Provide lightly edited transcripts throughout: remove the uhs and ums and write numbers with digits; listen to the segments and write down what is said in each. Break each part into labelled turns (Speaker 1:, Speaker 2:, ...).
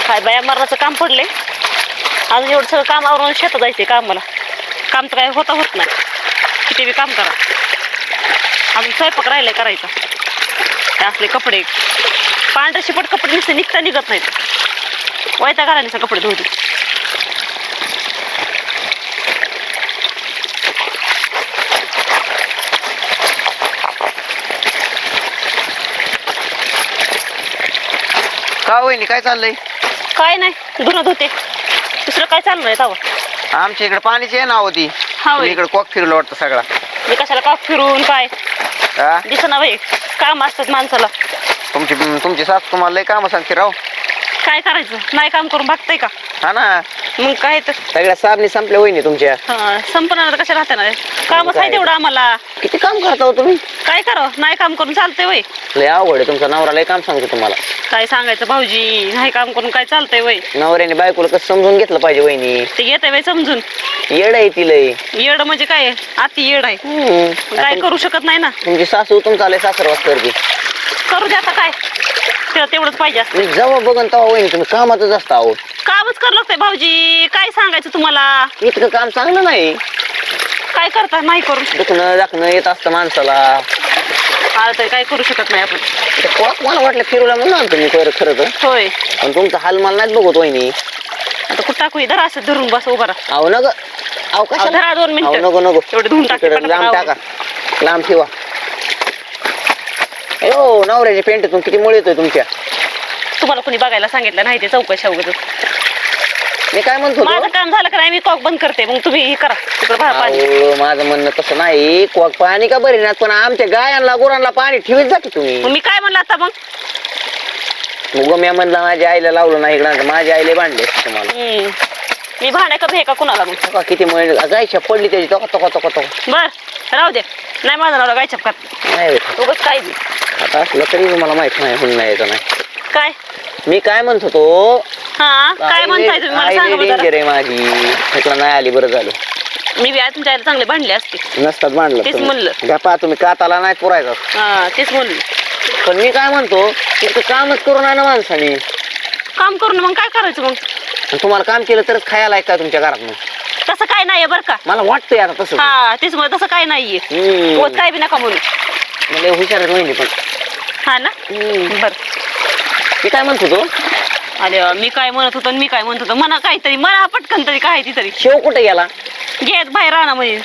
Speaker 1: काय बाया मरणाचं काम पडले अजून एवढं सगळं काम आवरून शेतात जायचंय कामाला काम तर काय होत नाही किती बी काम करा अजून स्वयंपाक राहिलाय करायचा ते असले कपडे पांढरे शिपट कपडे नुसते निघत नाहीत वैता घालायचे कपडे धुवते
Speaker 2: का वहिनी काय चाललंय?
Speaker 1: काय नाही धुणं धुते दुसरं काय चाललं आहे तवा
Speaker 2: आमच्या इकडे पाणीची आहे ना होती
Speaker 1: हा होय.
Speaker 2: इकडे कॉक फिरलं वाटतं सगळा
Speaker 1: मी कशाला का फिरून काय
Speaker 2: हा?
Speaker 1: दिसना बाई काम असतात माणसाला
Speaker 2: तुमची सास तुम्हाला लय काम सांगते राव
Speaker 1: काय करायचं नाही काम करून भागतंय का
Speaker 2: हा ना
Speaker 1: मग काय तर
Speaker 2: सगळ्या साबणी संपल्या वहिनी तुमच्या
Speaker 1: संपणार कशा राहते ना कामच आहे तेवढं आम्हाला
Speaker 2: किती काम करता हो तुम्ही
Speaker 1: काय करावं नाही काम करून चालतंय वय
Speaker 2: लय आवड आहे तुमचा नवरा लय काम सांगतो तुम्हाला
Speaker 1: काय सांगायचं भाऊजी नाही काम करून काय चालतंय वय
Speaker 2: नवऱ्याने बायकोला कसं समजून घेतलं पाहिजे वहिनी
Speaker 1: ते घेतंय वय समजून
Speaker 2: येड आहे ती लय
Speaker 1: येड म्हणजे काय अति येड आहे काय करू शकत नाही ना
Speaker 2: तुमची सासू तुमचा लय सासरवास करते
Speaker 1: करू दे आता काय तिला तेवढंच पाहिजे असतं
Speaker 2: मी जेव्हा बघन तेव्हा वहिनी तुम्ही कामातच असता आहो
Speaker 1: कामच करावं लागतंय भाऊजी काय सांगायचं तुम्हाला
Speaker 2: इतकं काम चांगलं नाही
Speaker 1: काय करता नाही करून
Speaker 2: दुखणं दाखणं येत असतं माणसाला
Speaker 1: आलं तरी काय करू शकत नाही आपण
Speaker 2: ते कॉक मला वाटलं फिरवला म्हणून आणतो मी खरं तर
Speaker 1: होय
Speaker 2: पण तुमचा हाल मला नाही बघत वहिनी
Speaker 1: आता कुठं टाकू धरा असं धरून बस उभा राहा
Speaker 2: अहो नग अहो कशाला
Speaker 1: धरा 2 मिनिटं
Speaker 2: नको नको
Speaker 1: एवढे धुवून टाका
Speaker 2: इकडं लांब टाका लांब ठेवा हो नवऱ्याची पेंट किती मुळे येतोय तुमच्या
Speaker 1: तुम्हाला कोणी बघायला सांगितलं नाही ते चौकशा वगैरे
Speaker 2: मी काय म्हणतो
Speaker 1: माझं काम झालं का नाही मी कॉक बंद करते मग तुम्ही हे करा तिकडे बाहेर पाणी
Speaker 2: माझं म्हणणं तसं नाही कॉक पाणी का बरी ना पण आमच्या गायांना गुरांना पाणी ठेवीत जा की तुम्ही
Speaker 1: मग मी काय म्हणलं आता मग
Speaker 2: मग मी म्हणलं माझ्या आईला लावलं नाही इकडं माझ्या आईला बांधले तुम्हाला
Speaker 1: मी भांड्या का भे का कुणाला मग
Speaker 2: का किती मुळे गायच्या पडली त्याची तोका तोका तोका तोका
Speaker 1: बर राहू दे नाही माझा नवरा गायच्या खात
Speaker 2: नाही
Speaker 1: उगाच काय बी
Speaker 2: आता असलं तरी मला माहित नाही म्हणून नाही येतं नाही
Speaker 1: काय
Speaker 2: मी काय म्हणत होतो
Speaker 1: हा काय म्हणताय तुम्ही मला सांगा बरं
Speaker 2: डेंजर आहे माझी म्हटलं नाही आली बरं झालं
Speaker 1: मी बी तुमच्या आईला चांगले भांडले असते
Speaker 2: नसतात
Speaker 1: तेच म्हणलं.
Speaker 2: बांधलं पहा तुम्ही काताला नाही पुरायचा
Speaker 1: हा तेच म्हणलं
Speaker 2: पण मी काय म्हणतो इतकं कामच करून आणा माणसाने
Speaker 1: काम करून मग काय करायचं मग
Speaker 2: आणि तुम्हाला काम केलं तरच खायला आहे का तुमच्या घरात मग
Speaker 1: तसं काय नाहीये बरं का
Speaker 2: मला वाटतंय आता तसं
Speaker 1: हा तेच म्हणलं तसं काय नाहीये होत काय बी नका म्हणून
Speaker 2: मला हुशार नाही पण
Speaker 1: हा ना बर
Speaker 2: मी काय म्हणत होतो
Speaker 1: अरे मी काय म्हणत होतो मी काय म्हणत होतो म्हणा काहीतरी म्हणा पटकन तरी काय ती तरी
Speaker 2: शेव कुठे गेला
Speaker 1: घेत बाहेर राहणार म्हणजे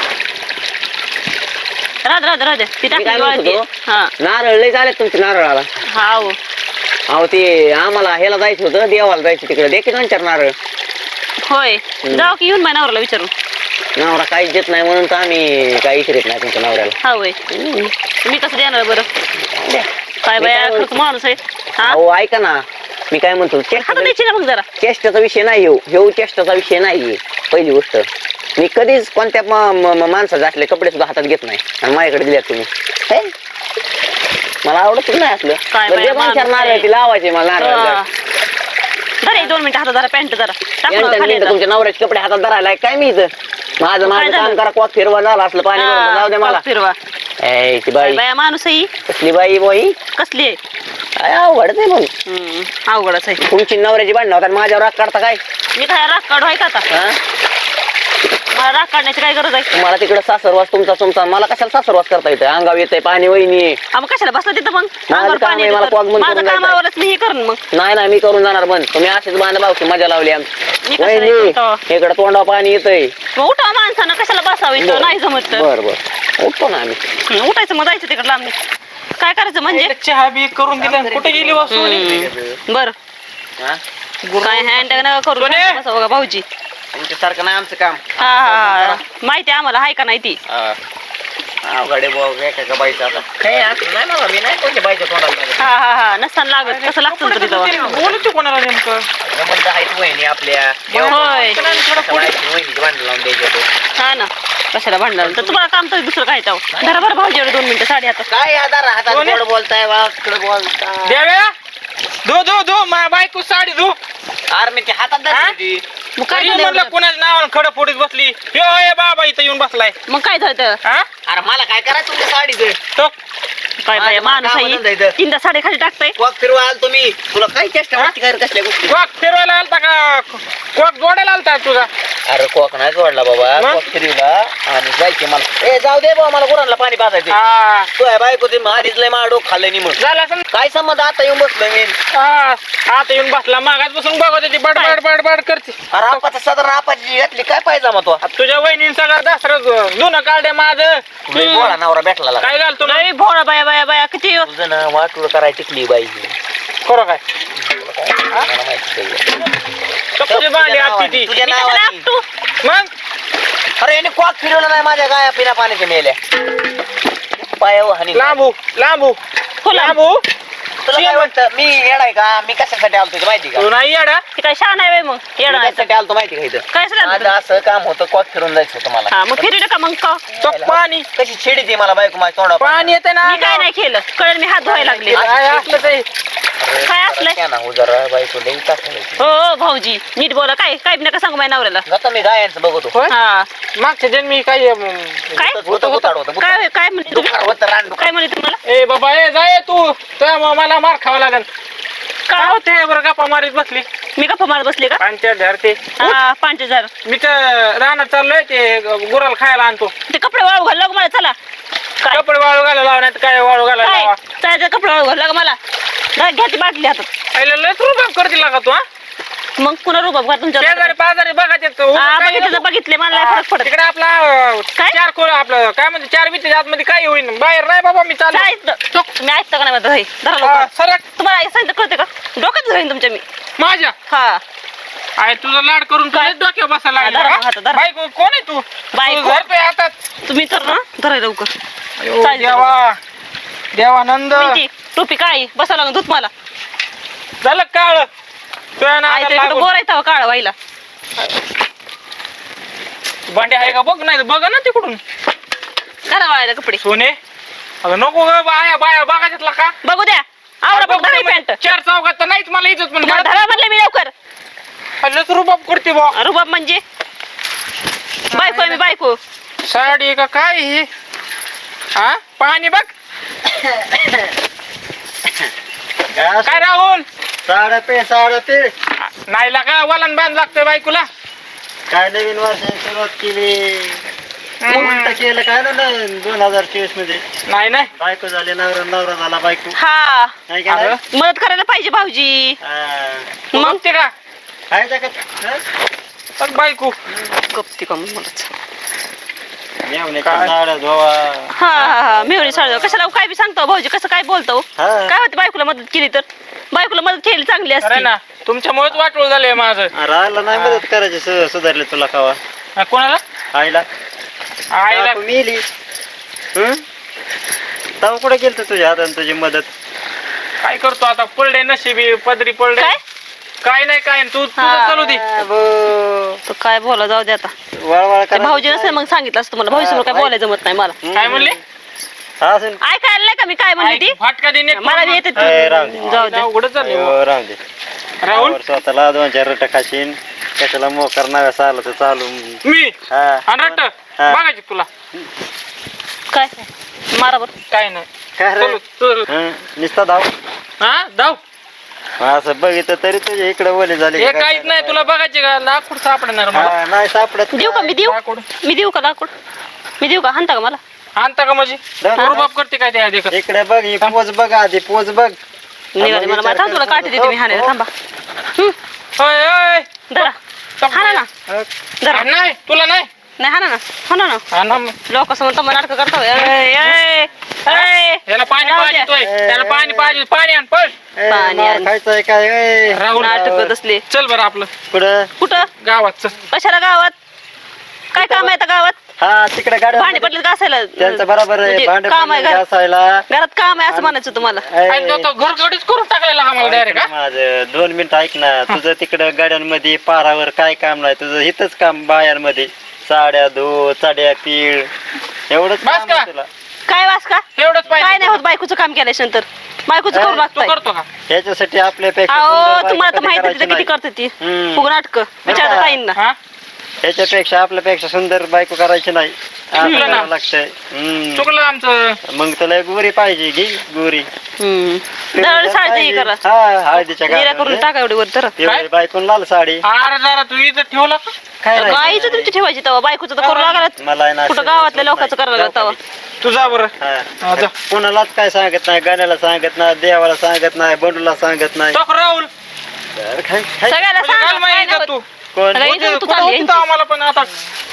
Speaker 1: राहत ती
Speaker 2: मी काय म्हणत
Speaker 1: टाकली
Speaker 2: होतो
Speaker 1: हा
Speaker 2: नारळ लय झाले तुमच्या नारळाला
Speaker 1: हा हो
Speaker 2: अहो ते आम्हाला ह्याला जायचं होतं देवाला जायचं तिकडे दे की 2-4 नारळ
Speaker 1: होय जाऊ की येऊन माझ्या नवऱ्याला विचारून
Speaker 2: नवरा काहीच देत नाही म्हणून तर आम्ही काही विचारत नाही तुमच्या नवऱ्याला
Speaker 1: हा होय मी कसं देणार बरं काय बाया खर्च माणूस आहे हा
Speaker 2: अहो ऐका ना मी काय म्हणतो
Speaker 1: हातात द्यायची ना मग जरा
Speaker 2: चेष्टाचा विषय नाही हे चेष्टाचा विषय नाही पहिली गोष्ट मी कधीच कोणत्या माणसाचे असले कपडे सुद्धा हातात घेत नाही आणि माझ्याकडे दिल्यात तुम्ही हे? मला आवडत नाही असलं
Speaker 1: काय
Speaker 2: बरं,
Speaker 1: बाया
Speaker 2: जे 2-4
Speaker 1: माणूस
Speaker 2: नारळ
Speaker 1: आहे.
Speaker 2: ती लावायचे मला नारळ
Speaker 1: जरा 2 मिनिटं हातात जरा पॅन्ट जरा टाकून खाली जा.
Speaker 2: तुमच्या नवऱ्याचे कपडे हातात धरायला काय मी इथं माझं
Speaker 1: काय
Speaker 2: काम
Speaker 1: झालं?
Speaker 2: करा कॉक फिरवा झाला असलं पाणी भरून जाऊ दे मला
Speaker 1: फिरवा
Speaker 2: ए, ती
Speaker 1: काय
Speaker 2: बाई
Speaker 1: बाया माणूस आहे ही.
Speaker 2: कसली बाई बाई
Speaker 1: कसली आहे
Speaker 2: काय अवघड आहे मग
Speaker 1: अवघडच आहे
Speaker 2: तुमची नवऱ्याची भांडणं होतात माझ्यावर राग काढता काय
Speaker 1: मी काय राग काढू आहे का आता
Speaker 2: हा?
Speaker 1: मला राग काढण्याची काय गरज आहे
Speaker 2: तुम्हाला तिकडे सासरवास तुमचा मला कशाला सासरवास करता येतं अंगावर येतंय पाणी वहिनी
Speaker 1: मग कशाला बसला तिथं मग
Speaker 2: माझं
Speaker 1: अंगावर
Speaker 2: काम
Speaker 1: पाणी
Speaker 2: आहे,
Speaker 1: येतं
Speaker 2: मला
Speaker 1: तर.
Speaker 2: कॉक बंद
Speaker 1: माझं
Speaker 2: करून
Speaker 1: कामावरच मी हे करून मग
Speaker 2: नाही मी करून जाणार बंद तुम्ही असेच बांधा भाऊची मजा लावली
Speaker 1: मी
Speaker 2: आमची
Speaker 1: कशाला
Speaker 2: वहिनी
Speaker 1: येतो?
Speaker 2: इकडे तोंडावर पाणी येतंय
Speaker 1: मग उठा माणसानं कशाला बसावं इथं नाही जमत तर
Speaker 2: बर उठतो ना आम्ही
Speaker 1: उठायचं मग जायचं तिकडे लांब काय करायचं म्हणजे
Speaker 3: चहा बी करून दिला कुठे गेली वासू
Speaker 1: बर
Speaker 2: हा?
Speaker 1: काय हँड नका करू
Speaker 3: सोने!
Speaker 1: बसा बघा भाऊजी
Speaker 2: तुमच्यासारखं नाही आमचं काम
Speaker 1: हा माहिती आहे आम्हाला आहे का नाही ती
Speaker 2: गाडी एका बाईचं आता काही असं नाही मला मी नाही कोणत्या बाईच्या तोंडाला
Speaker 1: हा नसताना लागत कसं लागतं तरी तेव्हा
Speaker 3: बोलतो कोणाला नेमकं
Speaker 2: संबंध आहेत वहिनी आपल्या
Speaker 1: होय
Speaker 2: वहिनीची भांडण लावून द्यायचे
Speaker 1: हा ना कशाला भांडणार तर तुम्हाला काम तर दुसरं काय जाऊ धरा बरं भाऊजी 2 मिनिटं साडी हातात
Speaker 2: काय हातात
Speaker 3: कोणी?
Speaker 2: गोड बोलताय वाकडं बोलताय
Speaker 3: देव्या धो माझ्या बायको साडी धो
Speaker 2: अरे मी ते हातात धरली
Speaker 1: मग काय
Speaker 3: तरी
Speaker 1: झालं
Speaker 3: म्हणलं
Speaker 1: एवढं?
Speaker 3: कोणाच्या नावानं खडं फोडीत बसली यो हे बाबा इथं येऊन बसलाय
Speaker 1: मग काय झालं तर?
Speaker 3: हा
Speaker 2: अरे मला काय करायचं तुमच्या साडीचं
Speaker 3: तो
Speaker 1: काय बाया माणूस
Speaker 2: कामाला
Speaker 1: आहे
Speaker 2: जायचं.
Speaker 1: तीनदा साडे खाली टाकताय
Speaker 2: कॉक फिरवा आल तुम्ही तुला काय चेष्टा वाटते काय रे कसल्या गोष्टी
Speaker 3: कॉक फिरवायला आलता का कॉक जोडायला आलता तुझा
Speaker 2: अरे कॉक नाही जोडला बाबा
Speaker 3: मग?
Speaker 2: कॉक फिरवला आणि जायचे मला ए जाऊ दे बाबा मला गुरांना पाणी पाजायचे
Speaker 3: हा
Speaker 2: तू आहे बायको ते आधीच लय माडो खाल्लं नि मग
Speaker 3: झालं असं
Speaker 2: काय संबंध आता येऊन बसलो मी
Speaker 3: आता येऊन बसला मागात बसून बघत होती बडबड बडबड करते
Speaker 2: अरे आपाचा साधारण आपाची घातली काय पाहिजे मग तो
Speaker 3: तुझ्या वहिनी सगळं दसरं जुनं काढे माझं
Speaker 2: बोळा नवरा भेटला लागा.
Speaker 3: काय घालतो
Speaker 1: लय भोळा बाया बाया बाया किती
Speaker 2: तुझं ना वाटूळ करायची टिकली बाई
Speaker 3: खरं काय
Speaker 2: मला माहिती आहे.
Speaker 3: तुझी भांडी आत्ती ती
Speaker 2: तुझ्या
Speaker 1: मी कशाला
Speaker 2: नावाने
Speaker 1: आपटू?
Speaker 3: मग
Speaker 2: अरे याने कॉक फिरवलं नाही माझ्या गाया पिण्या पाण्याच्या मेल्या पायावर हानी
Speaker 3: लांबू लांबू
Speaker 1: फुला
Speaker 3: लांबू
Speaker 2: तुला काय वाटतं मी येडाय का मी कशासाठी आलतो ते माहिती का
Speaker 3: तू नाही येडा
Speaker 1: ते काय शान आहे मग
Speaker 2: मी
Speaker 1: येणार
Speaker 2: कशासाठी आलतो माहिती का इथं
Speaker 1: काय सांगा
Speaker 2: माझं असं काम होतं कॉक फिरून जायचं होतं मला
Speaker 1: हा मग फिरलं का मग का
Speaker 3: तो पाणी
Speaker 2: कशी छिडी ती मला बायको माझ्या तोंडावर
Speaker 3: पाणी येते ना
Speaker 1: मी काय नाही केलं कळलं मी हात धुवायला लागले
Speaker 3: काय असलं ते
Speaker 1: काय असलंय?
Speaker 2: क्या ना उजरा बायको लई टाकायची
Speaker 1: हो हो भाऊजी नीट बोला काय काय नका सांगू माझ्या नवऱ्याला
Speaker 2: जातो मी गायांचं बघतो
Speaker 3: होय
Speaker 1: हा
Speaker 3: मागच्या जन्मी काय
Speaker 1: काय
Speaker 2: होतं गुताड होतं
Speaker 1: काय काय म्हणते तुम्ही
Speaker 2: होतं रान
Speaker 1: काय म्हणते तुम्हाला
Speaker 3: ए बाबा ए जाय तू तर मला मार खावा लागेल काय होते बरं गप्पा मारीत बसली
Speaker 1: मी गप्पा मारत बसले का
Speaker 3: पाणी धरते
Speaker 1: हा 5000
Speaker 3: मी तर रानात चाललोय ते गुराला खायला आणतो
Speaker 1: ते कपडे वाळू घाल मला चला काय
Speaker 3: कपडे वाळू घाला लावण्यात काय वाळू घाला
Speaker 1: काय
Speaker 3: लावा
Speaker 1: चायचं कपडे वाळू घाल मला घ्या ती बाटली हातात
Speaker 3: पहिलं लय रुबाब करतील का तू हा
Speaker 1: मग पुन्हा रुबाब का तुमच्या
Speaker 3: शेजारी पाजारी बघायचे
Speaker 1: हा बघितलं बघितले मला नाही फरक पडत
Speaker 3: तिकडे आपला
Speaker 1: काय?
Speaker 3: चार खोल आपलं काय म्हणते 4 भीती आतमध्ये काय होईल बाहेर नाही बाबा मी चाललो
Speaker 1: काय तुम्ही ऐकता का नाही म्हणत हे धरा
Speaker 3: हा,
Speaker 1: लवकर.
Speaker 3: सरक
Speaker 1: तुम्हाला आई सांगितलं कळते का डोक्यात धरेन तुमच्या मी
Speaker 3: माझ्या
Speaker 1: हा
Speaker 3: आहे तुझा लाड करून
Speaker 1: काय?
Speaker 3: तुझ्या डोक्यावर बसायला
Speaker 1: हा, धरा मग हातात,
Speaker 3: लागला
Speaker 1: धरा.
Speaker 3: बायको कोण आहे तू
Speaker 1: बायको.
Speaker 3: तू धरतोय हातात
Speaker 1: तुम्ही तर ना धराय लवकर
Speaker 3: अयो,
Speaker 1: चालेल.
Speaker 3: देवा देवानंद
Speaker 1: ती टोपी काय बसा लागून दूध मला
Speaker 3: झालं काळ तुझ्या
Speaker 1: आई
Speaker 3: नादाला
Speaker 1: तरी
Speaker 3: लागून.
Speaker 1: बोरायचा काळ व्हायला
Speaker 3: भांडे आहे का बघ नाही तर बघा ना तिकडून
Speaker 1: करा वाळायला कपडे
Speaker 3: सोने अगं नको ग बाया बाया बघायच्यातला का
Speaker 1: बघू द्या आवडा बघ धरा पॅन्ट
Speaker 3: चार चौकात तर नाहीच मला इज्जत पण
Speaker 1: तुम्हाला धरा म्हणले मी लवकर
Speaker 3: लच रुबाब करते बा
Speaker 1: रुबाब म्हणजे बायको आहे मी बायको
Speaker 3: साडी का काय हे हा पाणी बघ काय राहुल
Speaker 4: साडे पे
Speaker 3: नाही लागा वलन बांध लागतोय बायकोला
Speaker 4: काय नवीन वर्षाची सुरुवात केली उलट केलं काय ना 2024 मध्ये
Speaker 3: नाही नाही
Speaker 4: बायको झाली नवरा झाला बायको
Speaker 1: हा
Speaker 4: नाही का नाही?
Speaker 3: अगं,
Speaker 1: मदत करायला पाहिजे भाऊजी
Speaker 4: हा.
Speaker 3: तू
Speaker 1: मग
Speaker 3: बघते का
Speaker 4: काय जगात हं?
Speaker 3: बघ बायको
Speaker 1: गप्ती का मग
Speaker 4: मेवण्याच्या
Speaker 3: काय?
Speaker 4: साड्या धुवा
Speaker 1: हा हा हा मेवणी साडू कशाला काय बी सांगतो भाऊजी कसं काय बोलतो
Speaker 4: हा.
Speaker 1: काय होते बायकोला मदत केली तर बायकोला मदत केली चांगली
Speaker 3: अरे
Speaker 1: असते
Speaker 3: ना तुमच्यामुळेच वाटोळ झालंय माझं
Speaker 4: राहिला नाही मदत करायची सुधारले तुला खावा
Speaker 3: हा, कोणाला
Speaker 4: आईला
Speaker 3: आईला
Speaker 4: काकू मेली तव कुठे गेलत तुझ्या हाताने तुझी मदत
Speaker 3: काय करतो आता पडले नशिबी पदरी पडले
Speaker 1: काय
Speaker 3: काय नाही काय नाही, तू तुझं
Speaker 1: हा.
Speaker 3: चालू दे
Speaker 1: तो काय बोला जाऊ दे आता
Speaker 4: वळवळ
Speaker 1: ते भाऊजी नसेल मग सांगितलं असतं मला भाऊजी समोर काय बोलायचं जमत नाही मला
Speaker 3: काय म्हणले
Speaker 4: असून
Speaker 1: ऐकायला नाही का मी काय म्हणले ती
Speaker 3: फाटका देणे
Speaker 1: मला बी येते
Speaker 4: ए, राहू दे.
Speaker 1: जाऊ दे
Speaker 3: उघडच झाले
Speaker 4: राहू दे
Speaker 3: राहुल
Speaker 4: वर स्वतःला 2-4 रट खाशीन कशाला मोकर नाव्यास आलं तर चालू
Speaker 3: मी
Speaker 4: हा
Speaker 3: आणि रट्ट
Speaker 4: हा.
Speaker 3: बघायची तुला
Speaker 1: काय मारा बरं
Speaker 3: काय नाही
Speaker 4: काय रे
Speaker 3: चलू, चलू.
Speaker 4: हं, नुसता धाव
Speaker 3: हा जाऊ
Speaker 4: असं बघितलं तरी तुझ्या इकडे ओले झाले
Speaker 3: हे
Speaker 4: का काय
Speaker 3: काहीच नाही तुला बघायचे का लाकूड सापडणार मला
Speaker 4: हा, नाही सापडत
Speaker 1: देऊ का मी देऊ
Speaker 3: लाकूड
Speaker 1: मी देऊ का लाकूड मी देऊ का हाणता का मला
Speaker 3: आणता का माझी
Speaker 4: हा.
Speaker 3: रुबाब करते काय त्या देखत
Speaker 4: इकडे बघ ही पोच बघ आधी पोच बघ
Speaker 1: निघाले मला माहिती तुला काठी देते मी हाणायला थांबा
Speaker 3: ओय ओय
Speaker 1: धरा हाना ना धरा
Speaker 3: नाही तुला नाही
Speaker 1: नाही हाना ना हाना ना
Speaker 3: हा ना मग.
Speaker 1: लोक समोर तम्मा नाटक करता
Speaker 3: याला पाणी
Speaker 1: राहू
Speaker 3: पाहिजे
Speaker 1: द्या.
Speaker 3: तोय. त्याला पाणी पाहिजे पाणी आण पळ
Speaker 4: ए,
Speaker 1: पाणी
Speaker 4: मार
Speaker 1: आण.
Speaker 4: खायचंय काय ए,
Speaker 3: राहुल
Speaker 1: नाटक असले
Speaker 3: चल बरं आपलं
Speaker 4: कुठं
Speaker 1: कुठं
Speaker 3: गावात चल
Speaker 1: कशाला गावात काय काम आहे आता गावात
Speaker 4: हा तिकडे
Speaker 1: भांडी
Speaker 4: गाड्या
Speaker 1: पडले का असायला
Speaker 4: त्यांचं बरोबर आहे
Speaker 1: म्हणजे
Speaker 4: भांडे
Speaker 1: काम आहे
Speaker 4: पडलेले
Speaker 1: घरात
Speaker 4: घासायला
Speaker 1: घरात काम आहे असं म्हणायचं तुम्हाला
Speaker 3: आणि तो घरगडीच करून टाकायला आम्हाला डायरेक्ट का
Speaker 4: माझं 2 मिनिटं ऐक ना तुझं तिकडं गाड्यांमध्ये पारावर काय काम नाही तुझं इथंच काम बायांमध्ये साड्या धो चड्या पीळ एवढंच
Speaker 3: बस
Speaker 4: काम
Speaker 3: का?
Speaker 4: आहे तुला
Speaker 1: काय वास का
Speaker 3: एवढंच
Speaker 1: काय नाही
Speaker 3: पाहिजे
Speaker 1: होत बायकोचं काम केल्याच्या नंतर बायकोचं करू
Speaker 3: तू
Speaker 1: लागताय
Speaker 3: करतो का
Speaker 4: ह्याच्यासाठी आपल्यापेक्षा
Speaker 1: अहो
Speaker 4: सुंदर
Speaker 1: तुम्हाला तर
Speaker 4: बायको
Speaker 1: माहिती
Speaker 4: कधी
Speaker 1: किती
Speaker 4: करायची
Speaker 1: करते ती
Speaker 4: हम्म.
Speaker 1: फुग नाटक विचारता ताईंना
Speaker 3: हा
Speaker 4: ह्याच्यापेक्षा आपल्यापेक्षा सुंदर बायको करायची नाही असं
Speaker 3: चुकलं ना.
Speaker 4: करावं लागतंय
Speaker 3: चुकलं आमचं.
Speaker 4: मग तुला गोरी पाहिजे घे गोरी
Speaker 1: दरवेळेस साडी करा
Speaker 4: हा हळदीच्या
Speaker 1: जिरा करून
Speaker 4: गावामध्ये.
Speaker 1: टाका एवढी वर तर
Speaker 4: एवढी बायकोन लाल साडी
Speaker 3: अरे जरा तू इथं ठेवला का?
Speaker 4: काय नाही.
Speaker 1: गाईचं तुमची ठेवायची तेव्हा बायकोचं तर करू लागला
Speaker 4: मला आहे ना
Speaker 1: कुठं
Speaker 4: असं
Speaker 1: गावातल्या
Speaker 4: जमत
Speaker 1: लोकांचं
Speaker 4: नाही.
Speaker 1: करायला लागलं तेव्हा
Speaker 3: तू जा बरं.
Speaker 4: हा.
Speaker 3: जा.
Speaker 4: कोणालाच काय सांगत नाही गाण्याला सांगत नाही देवाला सांगत नाही बंडूला सांगत नाही
Speaker 3: टोक राहुल
Speaker 4: तर काय
Speaker 1: सगळ्याला
Speaker 3: म्हणजे घाल
Speaker 1: सांगा,
Speaker 3: मग
Speaker 1: काय
Speaker 3: इथं
Speaker 1: नाही
Speaker 3: तू.
Speaker 1: होत.
Speaker 4: कोण
Speaker 1: सगळ्या इथं
Speaker 3: कुठं
Speaker 1: तू चालली
Speaker 3: होती तर
Speaker 1: यांची.
Speaker 3: आम्हाला पण आता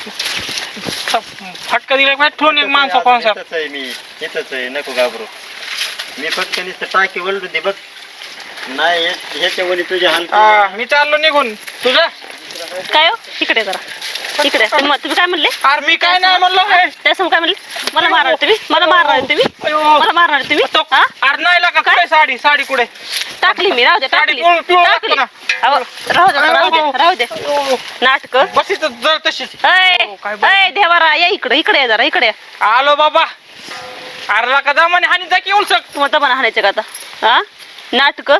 Speaker 3: फटका दिला पाहिजे ठेवून एक माणसा कोणसा.
Speaker 4: इथंच आहे मी इथंच आहे नको घाबरू मी फक्त नुसतं टाकी वळू दे बघ नाही ह्याच्या वली तुझ्या हाल
Speaker 3: मी चाललो निघून तुझा.
Speaker 1: काय हो इकडे जरा इकडे तुम्ही काय म्हणले
Speaker 3: अरे मी काय नाही म्हणलो हे.
Speaker 1: त्यासमोर काय म्हणले मला मारणार तुम्ही मला मारणार तुम्ही
Speaker 3: अयो.
Speaker 1: मला मारणार तुम्ही
Speaker 3: तो-
Speaker 1: हा?
Speaker 3: अरे नाही लागा कुठे साडी साडी कुठे
Speaker 1: टाकली मी राहू दे
Speaker 3: साडी
Speaker 1: टाकली
Speaker 3: पिवळं- पिवळं
Speaker 1: टाकली
Speaker 3: लागतं
Speaker 1: अहो, राहू दे राहू दे नाटक
Speaker 3: बस इथं जर तशीच काय बोल-
Speaker 1: अय देवारा या इकडे इकडे या जरा इकडे या.
Speaker 3: आलो बाबा. अरे लाका जमाने हानी जा की उलसक
Speaker 1: तुम्हाला दबाना हाणायचं का आता हा नाटक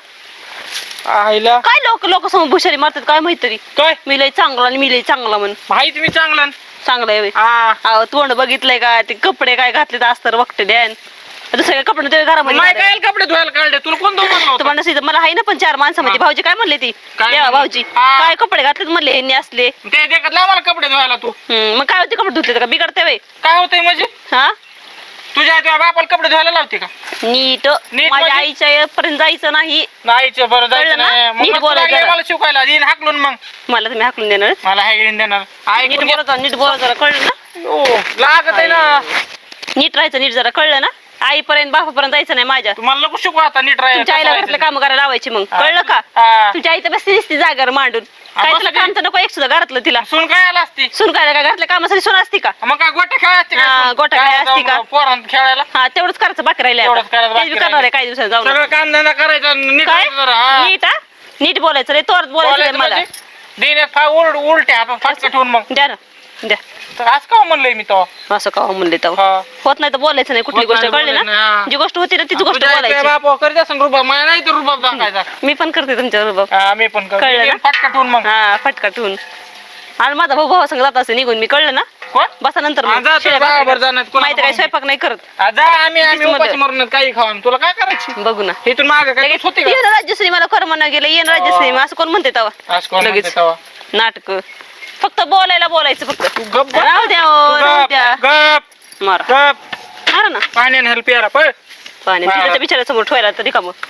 Speaker 3: आईला
Speaker 1: काय लोक समोर भुशारी मारतात काय माहित तरी
Speaker 3: काय
Speaker 1: मी लय चांगला आणि मी लय चांगला म्हण
Speaker 3: माहित मी चांगला
Speaker 1: चांगलं आहे
Speaker 3: हा
Speaker 1: अहो तोंड बघितलंय का ते कपडे काय घातले अस्तर बघते ध्यान दुसरे कपडे ते घरामध्ये
Speaker 3: नाही
Speaker 1: घालायचे.
Speaker 3: काय कपडे धुवायला काढले तुला कोण तो म्हणलं होतं?
Speaker 1: तुम्हाला नसेल, मला आहे ना पण 4 माणसामध्ये
Speaker 3: हा.
Speaker 1: भाऊजी काय म्हणले ती
Speaker 3: काय
Speaker 1: देवा
Speaker 3: म्हणले?
Speaker 1: भाऊजी
Speaker 3: हा.
Speaker 1: काय कपडे घातलेत म्हणले ह्यांनी असले
Speaker 3: ते देखत मला कपडे धुवायला तू
Speaker 1: मग काय होते कपडे धुतले का बिघडते वय
Speaker 3: काय होतंय म्हणजे
Speaker 1: हा
Speaker 3: तुझ्या बापाला कपडे धुवायला लावते का
Speaker 1: नीट
Speaker 3: नीट
Speaker 1: माझ्या
Speaker 3: म्हणजे?
Speaker 1: आईच्या पर्यंत जायचं नाही
Speaker 3: नाहीच बरं जायचं
Speaker 1: कळलं ना?
Speaker 3: नाही मग
Speaker 1: नीट
Speaker 3: तुला
Speaker 1: बोलायचं
Speaker 3: लागलं
Speaker 1: जरा.
Speaker 3: मला शिकवायला देईन हाकलून मग
Speaker 1: मला तुम्ही हाकलून देणार
Speaker 3: मला हायगडीन देणार
Speaker 1: नीट
Speaker 3: ऐकून घे.
Speaker 1: बोलत नीट बोलत जरा कळलं ना
Speaker 3: ओ, लागत आहे ना
Speaker 1: नीट राहायचं नीट जरा कळलं ना आईपर्यंत बापापर्यंत जायचं नाही माझ्या
Speaker 3: तुम्हाला नको शिकवा आता नीट
Speaker 1: तुमच्या आईला घरातलं
Speaker 3: राहायचं
Speaker 1: काम करायला लावायची मग
Speaker 3: हा.
Speaker 1: कळलं का
Speaker 3: हा.
Speaker 1: तुमच्या आई तर बसती दिसती जागर मांडून
Speaker 3: हा,
Speaker 1: काय
Speaker 3: बसू
Speaker 1: तुला
Speaker 3: दे.
Speaker 1: काम तर नको एक सुद्धा घरातलं तिला
Speaker 3: सून काय आला असती
Speaker 1: सुन काय काय घरातल्या कामासाठी सुन असती का
Speaker 3: मग काय गोट्या खेळा असते
Speaker 1: हा, गोट्या खेळा असती का?
Speaker 3: पोरांत खेळायला
Speaker 1: हा तेवढंच करायचं बाकी राहिले
Speaker 3: तेवढंच करायचं बाकी
Speaker 1: करणार आहे काही दिवसात जाऊन
Speaker 3: सगळं काम धंदा करायचा नीट
Speaker 1: काय
Speaker 3: राहायचं जरा, हा.
Speaker 1: नीट हा नीट बोलायचं रे तोरच बोलायचं रे
Speaker 3: बोलायचं
Speaker 1: मला
Speaker 3: म्हणजे? देणे उलटे हातात फाटका ठेवून मग
Speaker 1: द्या ना द्या
Speaker 3: तर आज का म्हणलंय मी तो
Speaker 1: असं का म्हणले तेव्हा
Speaker 3: हा.
Speaker 1: होत नाही तर बोलायचं नाही कुठली
Speaker 3: होत
Speaker 1: गोष्ट
Speaker 3: नाही,
Speaker 1: कळली
Speaker 3: बोलायचं नाही,
Speaker 1: ना
Speaker 3: हा.
Speaker 1: जी गोष्ट होती ना तीच गोष्ट
Speaker 3: तुझ्या
Speaker 1: बोलायची
Speaker 3: आईच्या बापावर करीत असेल रुबाब मला नाही तर रुबाब दाखायचा
Speaker 1: मी पण करते तुमच्या बरोबर
Speaker 3: हा, मी पण करतो.
Speaker 1: कळलं ना?
Speaker 3: देईन फाटका ठेवून मग
Speaker 1: हा फटका ठेवून आणि माझा भाऊ भाऊ संग जात असे निघून मी कळलं ना
Speaker 3: कोण
Speaker 1: बसा नंतर
Speaker 3: हा, जा, जा, बरोबर जाणार. कोणाला
Speaker 1: माहिती काय
Speaker 3: बघून.
Speaker 1: स्वयंपाक नाही करत
Speaker 3: हा, जा आम्ही
Speaker 1: तीच
Speaker 3: उपाशी
Speaker 1: मदत.
Speaker 3: मरून काही खावा तुला काय करायची
Speaker 1: बघू ना
Speaker 3: इथून माग काय तूच होती का
Speaker 1: येणं राज्यश्री मला कर म्हणा गेलं येणं राज्यश्री असं कोण म्हणते तेव्हा
Speaker 3: आज कोण
Speaker 1: लगेच.
Speaker 3: म्हणते तेव्हा?
Speaker 1: नाटक फक्त बोलायचं फक्त
Speaker 3: तू गप बस.
Speaker 1: राहू द्या
Speaker 3: तू
Speaker 1: हो, राहू
Speaker 3: गप,
Speaker 1: द्या
Speaker 3: गप
Speaker 1: मारा
Speaker 3: गप
Speaker 1: मारा ना
Speaker 3: पाण्याने हेल्प यायला पळ
Speaker 1: पाणी
Speaker 3: मारा.
Speaker 1: तिथे बिचाऱ्या समोर ठेवायला तरी का मग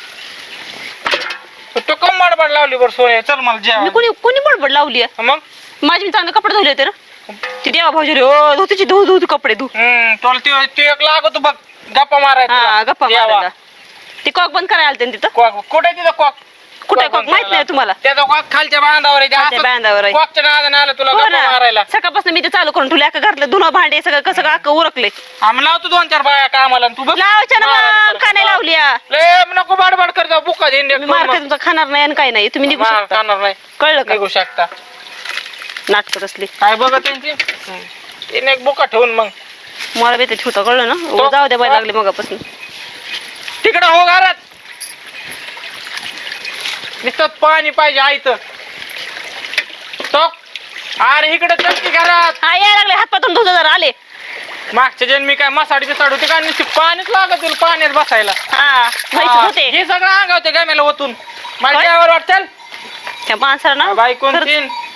Speaker 3: तो कम माडबाड लावली बरं सोय चल मला
Speaker 1: मी
Speaker 3: जेवण
Speaker 1: कोणी कोणी बडबड लावली आहे?
Speaker 3: मग
Speaker 1: माझी मी चांगले कपडे धुले होते ना ती देवा भाऊजी रे ओ धुतीची धु कपडे धु
Speaker 3: तुला ते एक लागतो बघ गप्पा मारायचा
Speaker 1: हा गप्पा
Speaker 3: देवा.
Speaker 1: मारायला ती कॉक बंद करायला आलते ना तिथं
Speaker 3: कॉक कुठे तिथं कॉक
Speaker 1: कुठे कॉक माहित नाही तुम्हाला
Speaker 3: त्याचा कॉक खालच्या बांधावर आहे.
Speaker 1: खालच्या
Speaker 3: असं
Speaker 1: बांधावर आहे.
Speaker 3: कॉकच्या नादाने आलं तुला
Speaker 1: हो
Speaker 3: गप्पा मारायला
Speaker 1: ना सकाळपासून मी ते चालू करून ठेवले अख्खा घरातलं धुणं भांडे सगळं कसं अख्खं उरकले
Speaker 3: आम्ही लावतो 2-4 बाया कामाला आणि तू बघ
Speaker 1: लावायच्या ना मग का नाही लावली आ?
Speaker 3: लय नको बाडबाड कर जाऊ बुका देईन
Speaker 1: मी मार तुमचं खाणार नाही आणि काही नाही तुम्ही निघू शकता
Speaker 3: खाणार नाही
Speaker 1: कळलं का
Speaker 3: निघू शकता
Speaker 1: नाटकं असली
Speaker 3: काय बघत त्यांची तिने एक बुका ठेवून मग
Speaker 1: मला बी ते ठेवता कळलं ना उगाच जाऊ द्या बाय लागले मगापासून
Speaker 3: तिकडं हो घरात नुसतं पाणी पाहिजे आयत तो अरे इकडे चटकी घरात
Speaker 1: हा यायला लागले हातपातून धुता जरा आले
Speaker 3: मागच्या जन्मी काय मसाडी बिसाड होती का नुसती पाणीच लागत तुला पाण्यात बसायला
Speaker 1: हा व्हायचं होते
Speaker 3: हे सगळं अंगावते गॅमेला ओतून मला
Speaker 1: काय?
Speaker 3: जेवायला वाटतं
Speaker 1: त्या माणसाला ना
Speaker 3: बायकोन
Speaker 1: खरंच
Speaker 3: तीन